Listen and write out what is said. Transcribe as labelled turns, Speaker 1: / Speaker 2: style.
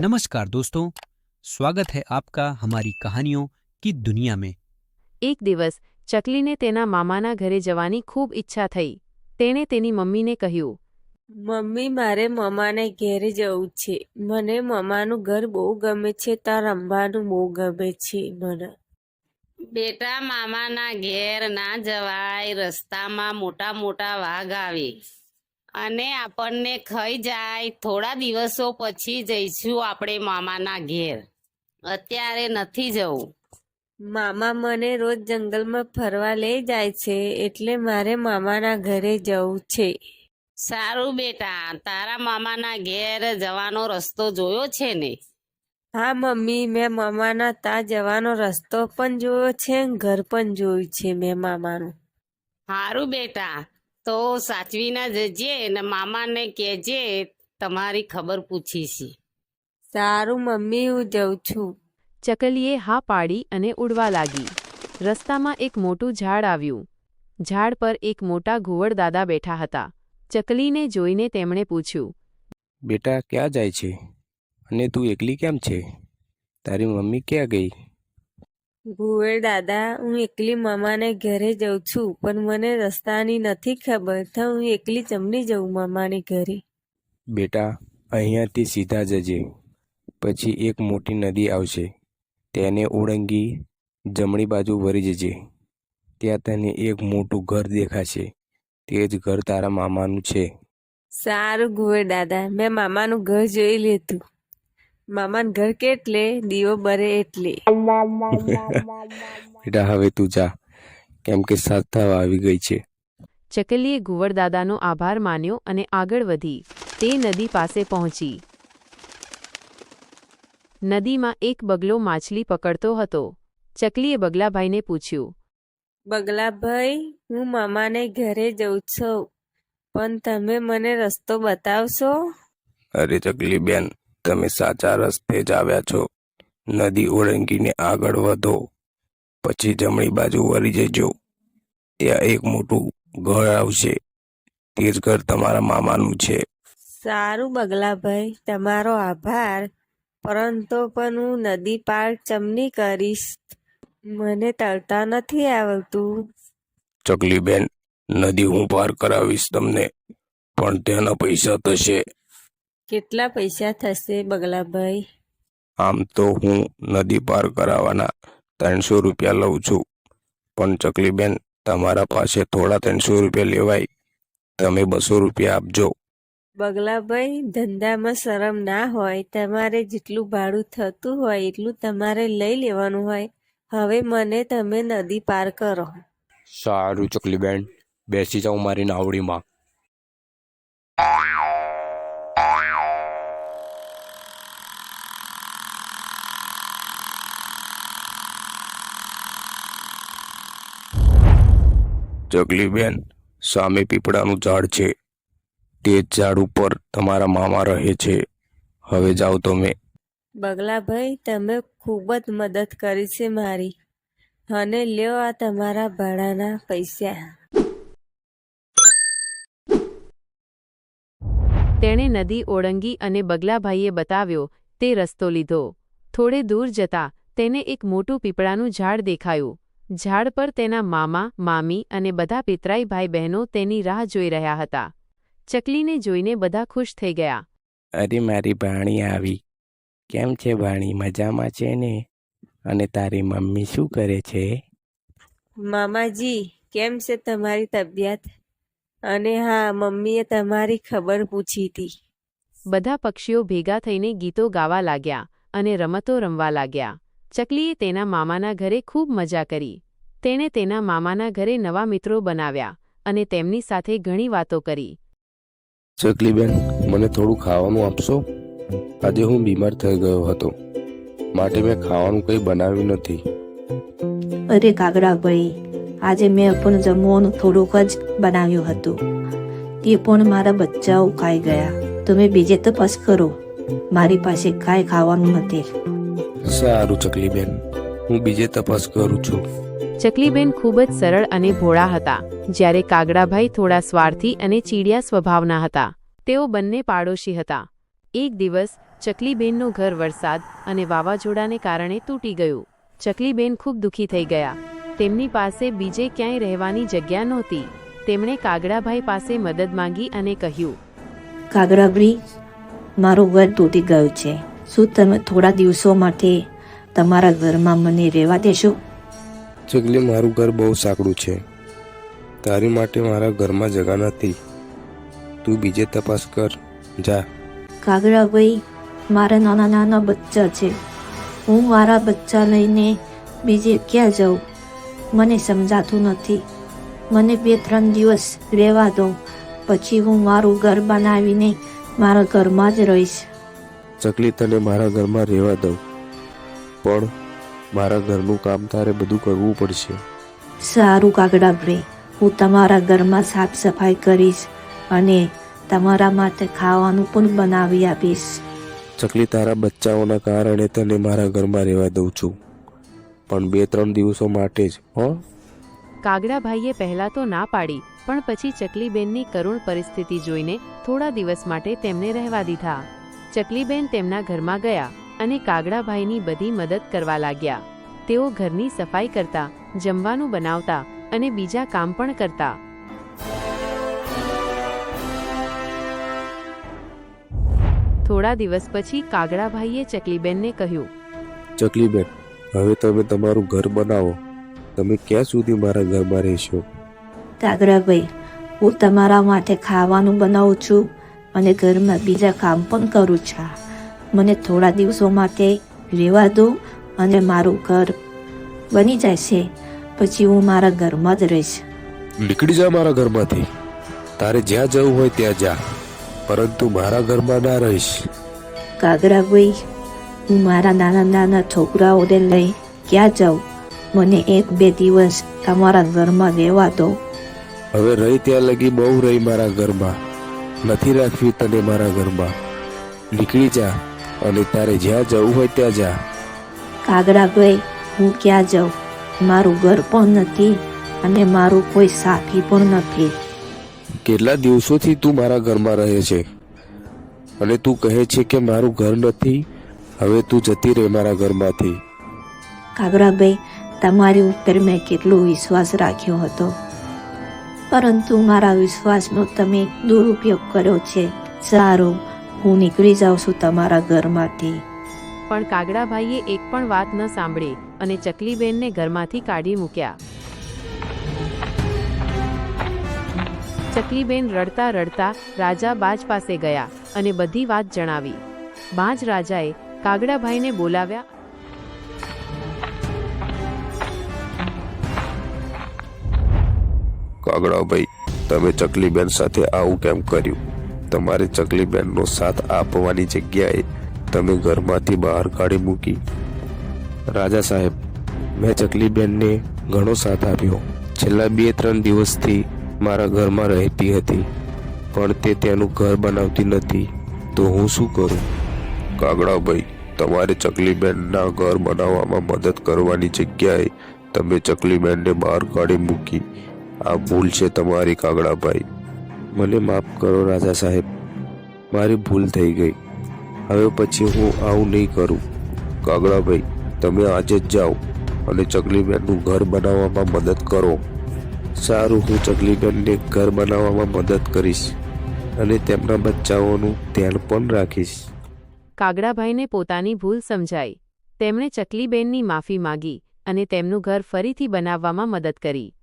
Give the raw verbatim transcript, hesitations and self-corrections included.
Speaker 1: नमस्कार दोस्तों, स्वागत है आपका हमारी कहानियों की दुनिया में।
Speaker 2: એક દિવસ ચકલીને તેના મામાના ઘરે જવાની ખૂબ ઈચ્છા થઈ. તેણે તેની મમ્મીને કહ્યું,
Speaker 3: મમ્મી, મારે મમ્માને ઘેરે જવું છે. મને મમ્માનું ઘર બહુ ગમે છે. ત્યાં રમવાનું બહુ ગમે છે મને.
Speaker 4: બેટા, મામાના ઘેર ના જવાય. રસ્તામાં મોટા મોટા વાઘ આવે અને આપણને ખાઈ જાય. થોડા દિવસો પછી જઈશું આપણે મામાના ઘેર. અત્યારે નથી જવું.
Speaker 3: મામા મને રોજ જંગલમાં ફરવા લઈ જાય છે, એટલે મારે મામાના ઘરે જવું છે.
Speaker 4: સારું બેટા, તારા મામાના ઘેર જવાનો રસ્તો જોયો છે ને?
Speaker 3: હા મમ્મી, મેં મામાના ત્યાં જવાનો રસ્તો પણ જોયો છે, ઘર પણ જોયું છે મેં મામાનું.
Speaker 4: સારું બેટા, તો સાચવીને જજે ને મામાને કહેજે તમારી ખબર પૂછી છે.
Speaker 3: સારું મમ્મી, હું જઉં છું.
Speaker 2: ચકલીએ હા પાડી અને ઉડવા લાગી. રસ્તામાં એક મોટું ઝાડ આવ્યું. ઝાડ પર એક મોટા ઘુવડ દાદા બેઠા હતા. ચકલીને જોઈને તેમણે પૂછ્યું,
Speaker 5: બેટા, ક્યાં જાય છે? અને તું એકલી કેમ છે? તારી મમ્મી ક્યાં ગઈ?
Speaker 3: ભુવેર દાદા, હું એકલી મામાને ઘરે જઉં છું, પણ મને રસ્તાની નથી ખબર, તો હું એકલી જમણી જઉં મામાને ઘરે.
Speaker 5: બેટા, અહીંયાથી સીધા જજે. પછી એક મોટી નદી આવશે, તેને ઓળંગી જમણી બાજુ વળી જજે. ત્યાં તને એક મોટું ઘર દેખાશે. તે જ ઘર તારા મામાનું છે.
Speaker 3: સારું ભુવેર દાદા, મેં મામાનું ઘર જોઈ લીધું. મામાનું ઘર કેટલે દીવો બરે એટલે.
Speaker 5: બેટા, હવે તું જા, કેમ કે સાત થવા આવી ગઈ છે.
Speaker 2: ચકલીએ ઘુવડ દાદાનો આભાર માન્યો અને આગળ વધી. તે નદી પાસે પહોંચી. નદીમાં એક બગલો માછલી પકડતો હતો. ચકલીએ બગલાભાઈને પૂછ્યું,
Speaker 3: બગલાભાઈ, હું મામાને ઘરે જઉં છું, પણ તમે મને રસ્તો બતાવશો?
Speaker 5: અરે ચકલી બેન, તમે સાચા રસ્તે જ આવ્યા છો. નદી ઓળંગીને આગળ વધો, પછી જમણી બાજુ વળી જજો. ત્યાં એક મોટું ઘર આવશે. તે જ ઘર તમારા મામાનું છે.
Speaker 3: સારું બગલાભાઈ, તમારો આભાર, પરંતુ પણ હું નદી પાર ચમની કરીશ. મને તરતા નથી આવડતું.
Speaker 5: ચકલી બેન, નદી હું પાર કરાવીશ તમને, પણ તેના પૈસા થશે.
Speaker 3: કેટલા પૈસા થશે બગલાભાઈ?
Speaker 5: આમ તો હું નદી પાર કરાવવાના ત્રણસો રૂપિયા લઉં છું, પણ ચકલી બેન, તમારા પાસે થોડા ત્રણસો રૂપિયા લેવાય. તમે બસો રૂપિયા આપજો.
Speaker 3: બગલાભાઈ, ધંધામાં શરમ ના હોય. તમારે જેટલું ભાડું થતું હોય એટલું તમારે લઈ લેવાનું હોય. હવે મને તમે નદી પાર કરો.
Speaker 5: સારું ચકલી બેન, બેસી જાઉં મારી નાવડીમાં. ચકલી બેન, સામે પીપળાનું ઝાડ છે. તે જ ઝાડ ઉપર તમારા મામા રહે છે. હવે જાઓ તમે.
Speaker 3: બગલાભાઈ, તમે ખૂબ જ મદદ કરી છે મારી, અને લ્યો આ તમારા ભાડાના પૈસા.
Speaker 2: તેણે નદી ઓળંગી અને બગલાભાઈએ બતાવ્યો તે રસ્તો લીધો. થોડે દૂર જતા તેને એક મોટું પીપળાનું ઝાડ દેખાયું. ઝાડ પર તેના મામા, મામી અને બધા પિતરાઈ ભાઈ બહેનો તેની રાહ જોઈ રહ્યા હતા. ચકલીને જોઈને બધા ખુશ થઈ ગયા.
Speaker 5: અરે, મારી ભાણી આવી. કેમ છે ભાણી, મજામાં છે ને? અને તારી મમ્મી શું કરે છે?
Speaker 3: મામાજી, કેમ છે તમારી તબિયત? અને હા, મમ્મીએ તમારી ખબર પૂછી હતી.
Speaker 2: બધા પક્ષીઓ ભેગા થઈને ગીતો ગાવા લાગ્યા અને રમતો રમવા લાગ્યા. ચકલીએ તેના મામાના ઘરે ખૂબ મજા કરી. તેણે તેના મામાના ઘરે નવા મિત્રો બનાવ્યા અને તેમની સાથે ઘણી વાતો કરી.
Speaker 5: ચકલી બેન, મને થોડું ખાવાનું આપશો? આજે હું બીમાર થઈ ગયો હતો, માટે મેં ખાવાનું કંઈ બનાવ્યું નથી.
Speaker 6: અરે કાગડાભાઈ, આજે મેં પણ જમવાનું થોડુંક જ બનાવ્યું હતું. તે પણ મારા બચ્ચાઓ ખાઈ ગયા. તમે બીજે તપાસ કરો, મારી પાસે કાંઈ ખાવાનું નથી.
Speaker 5: સારું ચકલી બેન, હું બીજે તપાસ કરું છું.
Speaker 2: ચકલીબેન ખૂબ જ સરળ અને ભોળા હતા, જ્યારે કાગડાભાઈ થોડા સ્વાર્થી અને ચીડિયા સ્વભાવના હતા. તેઓ બંને પાડોશી હતા. એક દિવસ ચકલીબેનનું ઘર વરસાદ અને વાવાઝોડાને કારણે તૂટી ગયું. ચકલીબેન ખૂબ દુઃખી થઈ ગયા. તેમની પાસે બીજે ક્યાંય રહેવાની જગ્યા નહોતી. તેમણે કાગડાભાઈ પાસે મદદ માંગી અને કહ્યું,
Speaker 6: કાગડાભાઈ, મારું ઘર તૂટી ગયું છે. શું તમે થોડા દિવસો માટે તમારા ઘરમાં મને રહેવા દેશો?
Speaker 5: ચકલી, મારું ઘર બહુ સાંકડું છે. તારી માટે મારા ઘરમાં જગા નથી. તું બીજે તપાસ કર, જા.
Speaker 6: કાગડાભાઈ, મારા નાના નાના બચ્ચા છે. હું મારા બચ્ચા લઈને બીજે ક્યાં જાઉં? મને સમજાતું નથી. મને બે ત્રણ દિવસ રહેવા દો, પછી હું મારું ઘર બનાવીને મારા ઘરમાં જ રહીશ.
Speaker 5: ચકલી, તને મારા ઘરમાં રહેવા દઉં, પણ મારા ઘરનું કામ તારે બધું કરવું પડશે.
Speaker 6: સારું કાગડાભાઈ, હું તમારા ઘરમાં સાફ સફાઈ કરીશ અને તમારા માટે ખાવાનું પણ બનાવી આપીશ.
Speaker 5: ચકલી, તારા બચ્ચાઓના કારણે તને મારા ઘરમાં રહેવા દઉં છું, પણ બે ત્રણ દિવસો માટે જ, હો.
Speaker 2: કાગડાભાઈએ પહેલાં તો ના પાડી, પણ પછી ચકલીબેનની કરુણ પરિસ્થિતિ જોઈને થોડા દિવસ માટે તેમને રહેવા દીધા. ચકલીબેન તેમના ઘરમાં ગયા અને કાગડાભાઈની બધી મદદ કરવા લાગ્યા. તેઓ ઘરની સફાઈ કરતા, જમવાનું બનાવતા અને બીજા કામ પણ કરતા. થોડા દિવસ પછી કાગડાભાઈએ ચકલીબેનને કહ્યું,
Speaker 5: ચકલીબેન, હવે તમે તમારું ઘર બનાવો. તમે ક્યાં સુધી મારા ઘરમાં રહેશો?
Speaker 6: કાગડાભાઈ, હું તમારા માટે ખાવાનું બનાવું છું અને ઘરમાં બીજા કામ પણ કરું છું. મને થોડા દિવસો માટે રહેવા દો અને મારું ઘર બની જશે, પછી હું મારા ઘરમાં જ રહીશ.
Speaker 5: નીકળી જા મારા ઘરમાંથી. તારે જ્યાં જવું હોય ત્યાં જા, પરંતુ મારા ઘરમાં ના રહીશ.
Speaker 6: કાગડાભાઈ, હું મારા નાના નાના છોકરાઓને લઈ ક્યાં જાઉં? મને એક બે દિવસ તમારા ઘરમાં રહેવા દો.
Speaker 5: હવે રહી ત્યાં લગી બહુ રહી મારા ઘરમાં. નથી રાખવી તને મારા ઘરમાં. નીકળી જા અને તારે જ્યાં જવું હોય ત્યાં જા.
Speaker 6: કાગડાભાઈ, હું ક્યાં જાઉં? મારું ઘર પણ નથી અને મારું કોઈ સાથી પણ નથી.
Speaker 5: કેટલા દિવસોથી તું મારા ઘરમાં રહે છે અને તું કહે છે કે મારું ઘર નથી. હવે તું જતી રહે મારા ઘરમાંથી.
Speaker 6: કાગડાભાઈ, તમારી ઉપર મેં કેટલો વિશ્વાસ રાખ્યો હતો, પરંતુ મારા વિશ્વાસનો તમે દુરુપયોગ કર્યો છે. સારું, હું નીકળી જાઉં છું તમારા ઘરમાંથી.
Speaker 2: પણ કાગડાભાઈએ એક પણ વાત ન સાંભળી અને ચકલીબેનને ઘરમાંથી કાઢી મૂક્યા. ચકલીબેન રડતા રડતા રાજા બાજ પાસે ગયા અને બધી વાત જણાવી. બાજ રાજાએ કાગડાભાઈને બોલાવ્યા.
Speaker 5: કાગડાભાઈ, તમે ચકલીબેન સાથે આવું કેમ કર્યું? તમારે ચકલીબેનનો સાથ આપવાની જગ્યાએ તમે ઘરમાંથી બહાર કાઢી મૂકી. રાજા સાહેબ, મેં ચકલીબેનને ઘણો સાથ આપ્યો. છેલ્લા બે ત્રણ દિવસથી મારા ઘરમાં રહેતી હતી, પણ તે તેનું ઘર બનાવતી નથી, તો હું શું કરું? કાગડાભાઈ, તમારે ચકલીબેનના ઘર બનાવવામાં મદદ કરવાની જગ્યાએ તમે ચકલીબેનને બહાર કાઢી મૂકી. આ ભૂલ છે તમારી કાગડાભાઈ. મને માફ કરો રાજા સાહેબ, મારી ભૂલ થઈ ગઈ. હવે પછી હું આવું નહીં કરું. કાગડાભાઈ, તમે આજે જ જાઓ અને ચકલીબેનનું ઘર બનાવવામાં મદદ કરો. સારું, હું ચકલીબેનને ઘર બનાવવામાં મદદ કરીશ અને તેમના બચ્ચાઓનું ધ્યાન પણ રાખીશ.
Speaker 2: કાગડાભાઈને પોતાની ભૂલ સમજાઈ. તેમણે ચકલીબેનની માફી માગી અને તેમનું ઘર ફરીથી બનાવવામાં મદદ કરી.